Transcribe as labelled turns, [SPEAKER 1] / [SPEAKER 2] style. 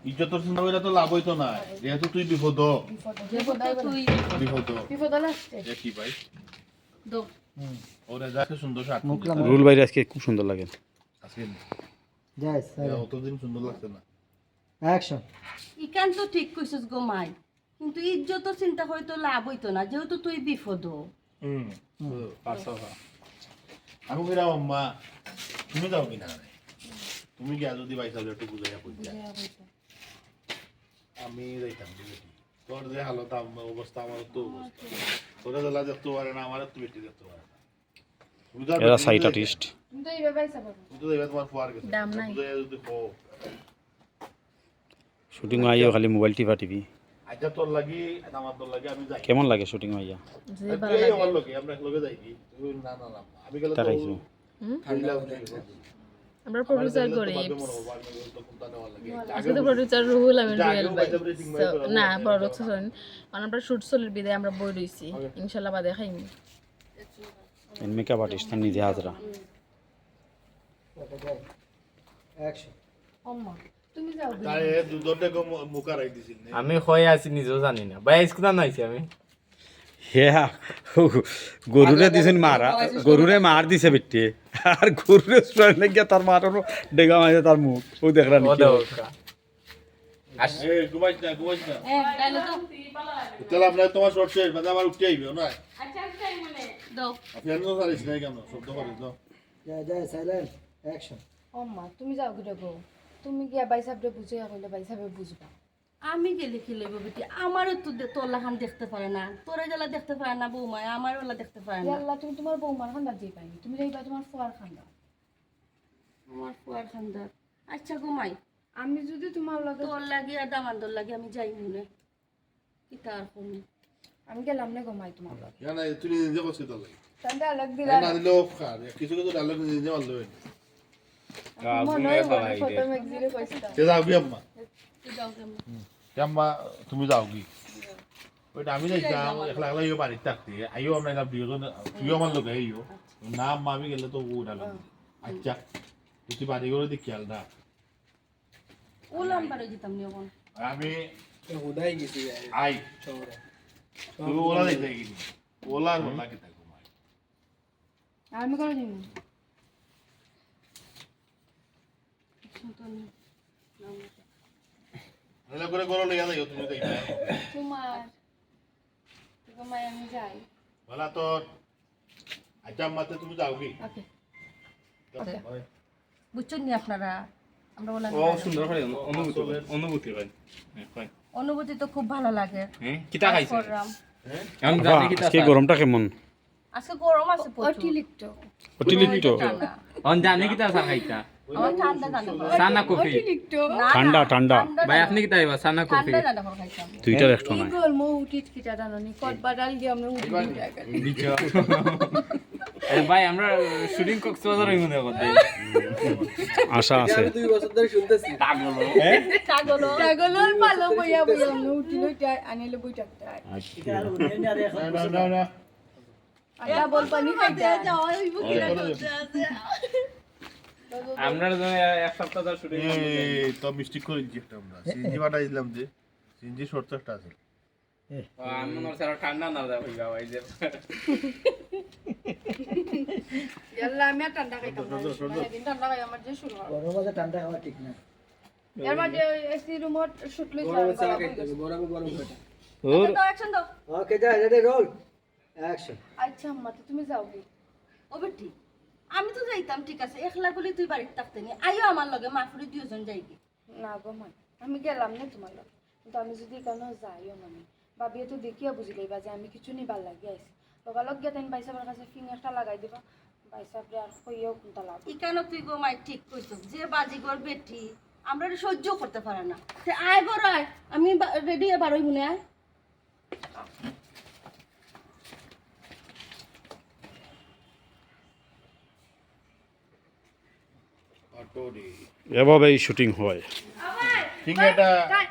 [SPEAKER 1] ইজ্জতর চিন্তা করে তো লাভ হইতো না, যেহেতু তুই বিপদ বিপদ
[SPEAKER 2] লাগছে
[SPEAKER 1] কি ভাই
[SPEAKER 2] দো
[SPEAKER 1] ওরে যাকে সুন্দর শার্ট
[SPEAKER 3] রুল ভাই আজকে খুব সুন্দর লাগে।
[SPEAKER 1] আজকে
[SPEAKER 4] যাই
[SPEAKER 1] অতদিন সুন্দর লাগছে না।
[SPEAKER 4] অ্যাকশন।
[SPEAKER 2] ইকান তো ঠিক কইছস গো মাই, কিন্তু ইজ্জতর চিন্তা হয়তো লাভ হইতো না, যেহেতু তুই বিপদ।
[SPEAKER 1] আমি কইরাম আম্মা তুমি যাও কিনা, তুমি গিয়া যদি ভাই সাহেব একটু বুঝাইয়া কইতা আমি যাইতাম। তোর যে হালত অবস্থা আমার তো অবস্থা, তোরা জ্বালা দেখতে পারে না, আমার তো বেটি দেখতে পারে না।
[SPEAKER 3] এরা সাইট আর্টিস্ট।
[SPEAKER 2] তুমি তো এইভাবে পাইছা
[SPEAKER 1] তুমি তো দেখবে তোমার ফুয়ার গেছে
[SPEAKER 2] দাম নাই।
[SPEAKER 1] বুঝাইয়া যদি কও
[SPEAKER 3] শুটিং আইয়া খালি মোবাইল টিপি।
[SPEAKER 1] আচ্ছা তোর লাগি আমার তোর লাগি আমি যাই।
[SPEAKER 3] কেমন লাগে শুটিং আইয়া?
[SPEAKER 2] যে ভালো লাগে
[SPEAKER 1] আমার লোকে আমরা একলগে যাই কি তুমি না না না আমি গেলে তো
[SPEAKER 3] তাকাইছো
[SPEAKER 1] ঠান্ডা
[SPEAKER 5] আমরা প্রোডিউসার করি আজকে তো প্রোডিউসার রুহুল আমিন রুয়েল ভাই না প্রোডাকশন আমরা শুট চলের বিদায় আমরা বই রইছি ইনশাআল্লাহ বাদে খাইম
[SPEAKER 3] এন মেকআপ আর্টিস্ট নিজে হাজরা।
[SPEAKER 4] অ্যাকশন।
[SPEAKER 2] আম্মা তুমি যাও
[SPEAKER 1] তাই দুধটা কম মুখা রাখ দিছিল না
[SPEAKER 6] আমি হয়ে আছি নিজেও জানি না ভাই স্কুল নাইছি আমি
[SPEAKER 3] হ্যাঁ গরুরে দিছেন মারা, গরুরে মার দিছে বেটে, আর গরুরে স্ট্রেন গিয়া তার মারার ডেগা মাইছে তার মুখ ও দেখরা
[SPEAKER 6] ও
[SPEAKER 3] নাকি
[SPEAKER 6] দাও
[SPEAKER 1] এই ঘুমাইছ না
[SPEAKER 2] তাহলে তো
[SPEAKER 1] তাহলে আমরা তোমার শর্ট শেষ বাদে আবার উঠে আইবে না
[SPEAKER 2] আচ্ছা তাই মানে দাও
[SPEAKER 1] আপনি এত সারিস নাই কেন শব্দ করে দাও
[SPEAKER 4] যাই সাইলেন্ট। অ্যাকশন।
[SPEAKER 5] আম্মা তুমি যাও গিয়ে গো তুমি গিয়া ভাই সাহেবরে বুঝাইয়া কইলে ভাই সাহেব বুঝবা
[SPEAKER 2] আমি গেলে কি লইব বেটি, আমারও তো তোলা খান দেখতে পারে না, তোরা জ্বালা দেখতে পারে না বৌমা, আমারও ওলা দেখতে পারে না।
[SPEAKER 5] আল্লাহ তুমি তোমার বৌমার খান্দা দিয়ে পাইনি তুমি যাইবা তোমার ফুয়ার খান্দা
[SPEAKER 2] আমার ফুয়ার খান্দার আচ্ছা ঘুমাই,
[SPEAKER 5] আমি যদি তোমার লগে
[SPEAKER 2] তোর লাগি আর দামান্দর লাগি আমি যাই মনে কি তার কোন
[SPEAKER 5] আমি গেলাম না ঘুমাই তোমার লগে
[SPEAKER 1] জানা তুমি নিজে কষ্ট দাও
[SPEAKER 5] তাহলে আলাগ দিলা
[SPEAKER 1] না দিলেও খার কিছু কিছু ডায়লগ নিজে মারলো
[SPEAKER 5] মনে হয় ফটো ম্যাগজিনে কইছিলাম
[SPEAKER 1] সে যাও কি আম্মা
[SPEAKER 2] তুই যাও কেমন
[SPEAKER 1] আম্মা তুমি যাও কি ওইটা আমি যাইতাম একলা একলা ইয়ে বাড়িতে থাকতে আইও আমরা না দুজন তুইও আমার লোক আইও না আম্মা আমি গেলে তো ও ডালো আচ্ছা তুই বাড়ি করে দেখি খেয়াল না
[SPEAKER 2] ওলাম বারে যেতাম নি এখন
[SPEAKER 1] আমি
[SPEAKER 4] উদাই গেছি
[SPEAKER 1] আই তুই ওলা দেখতে গেলি ওলা ওলা কে থাকবো
[SPEAKER 5] আমি করে দিই
[SPEAKER 1] এলা করে করো লইয়া যাইও তুমি দেখবে
[SPEAKER 5] তোমার ঘুমাই আমি যাই
[SPEAKER 1] বলা তোর আচ্ছা আম্মাতে তুমি যাও কি
[SPEAKER 5] ওকে
[SPEAKER 2] বুঝছেন নি আপনারা আমরা ওলা
[SPEAKER 6] ও সুন্দর হয় অনুভূতি হয় হয়
[SPEAKER 2] অনুভূতি তো খুব ভালো লাগে।
[SPEAKER 6] হ্যাঁ কিটা খাইছে
[SPEAKER 2] করলাম।
[SPEAKER 6] এখন জানি কিটা
[SPEAKER 3] আজকে গরমটা কেমন?
[SPEAKER 2] আজকে গরম আছে প্রচুর।
[SPEAKER 5] অতিরিক্ত
[SPEAKER 3] অতিরিক্ত
[SPEAKER 2] ঠান্ডা।
[SPEAKER 6] এখন জানি কিটা চা খাইতা
[SPEAKER 2] আমার ঠান্ডা ঠান্ডা করে।
[SPEAKER 6] সানা কফি
[SPEAKER 5] অতিরিক্ত
[SPEAKER 2] না,
[SPEAKER 3] ঠান্ডা
[SPEAKER 2] না,
[SPEAKER 3] ঠান্ডা
[SPEAKER 6] ভাই আপনি কিটা আইবা সানা কফি
[SPEAKER 2] ঠান্ডা ঠান্ডা করে খাইতাম।
[SPEAKER 3] দুইটার একটা
[SPEAKER 5] এই
[SPEAKER 3] নাই।
[SPEAKER 5] গরম উঠিত কিটা জানি কত বাদাল দিয়ে আমরা উঠি
[SPEAKER 6] দিছো আরে ভাই আমরা শুটিং কক্সবাজার হইমু না করতে
[SPEAKER 3] আশা আছে
[SPEAKER 4] 2 বছর ধরে শুনতেছি
[SPEAKER 6] পাগল
[SPEAKER 2] ছাগলও
[SPEAKER 5] ছাগলের পালো বইয়া বইয়া আমরা উঠি লইটা আনিলে বইটা
[SPEAKER 1] না না না
[SPEAKER 5] আটা বল পানি খাইতে
[SPEAKER 2] যাও হইব কি না করতে আছে।
[SPEAKER 6] আমরা জন্য এক সপ্তাহ ধরে শুটিং
[SPEAKER 1] এই তো মিস্টেক করে দিচ্ছি একটা আমরা সিনজি বাটা দিলাম যে সিনজি শর্ট চারটা আছে
[SPEAKER 6] আমি মনে হচ্ছে আরো ঠান্ডা না দেওয়া হইবা ভাই যে
[SPEAKER 5] ইয়াল্লা আমি আর ঠান্ডা খাইতাম না সেদিন ঠান্ডা খাই আমার যে শুরু হয়
[SPEAKER 4] গরমে ঠান্ডা খাওয়া ঠিক না।
[SPEAKER 5] এর মাঝে এসি রুমত শুট লই
[SPEAKER 4] গরমে চালা খাইতে গরমে গরম খাইতে।
[SPEAKER 2] আচ্ছা, দাও অ্যাকশন দাও।
[SPEAKER 4] ওকে যাই রেডি রোল। অ্যাকশন।
[SPEAKER 5] আচ্ছা আম্মা তো তুমি যাও কি
[SPEAKER 2] ও বেটি আমি তো যাইতাম ঠিক আছে, একলা বলি তুই বাড়িতে থাকতে নি, আইও আমার লগে মাফুরি দুইজন যাইবি।
[SPEAKER 5] না গো মা আমি গেলাম না তোমার লগে কিন্তু আমি যদি কেন যাইও মানে ভাবিয়ে তো দেখিয়া বুঝি লইবা যে আমি কিছু নিবার লাগি আইছি লগালগ গিয়া তাই বাইসাবের কাছে ফিঙ্গারটা লাগাই দিবা বাইসাবরে আর কইও কোনটা লাভ
[SPEAKER 2] ইকানো তুই গো মাই ঠিক কইছস, যে বাজিগর বেটি আমরা এটা সহ্য করতে পারে না। তে আয় বড় আয়, আমি রেডি এবার হই মনে আয়।
[SPEAKER 1] অটোরি
[SPEAKER 3] এভাবেই শুটিং হয়।
[SPEAKER 1] ঠিক এটা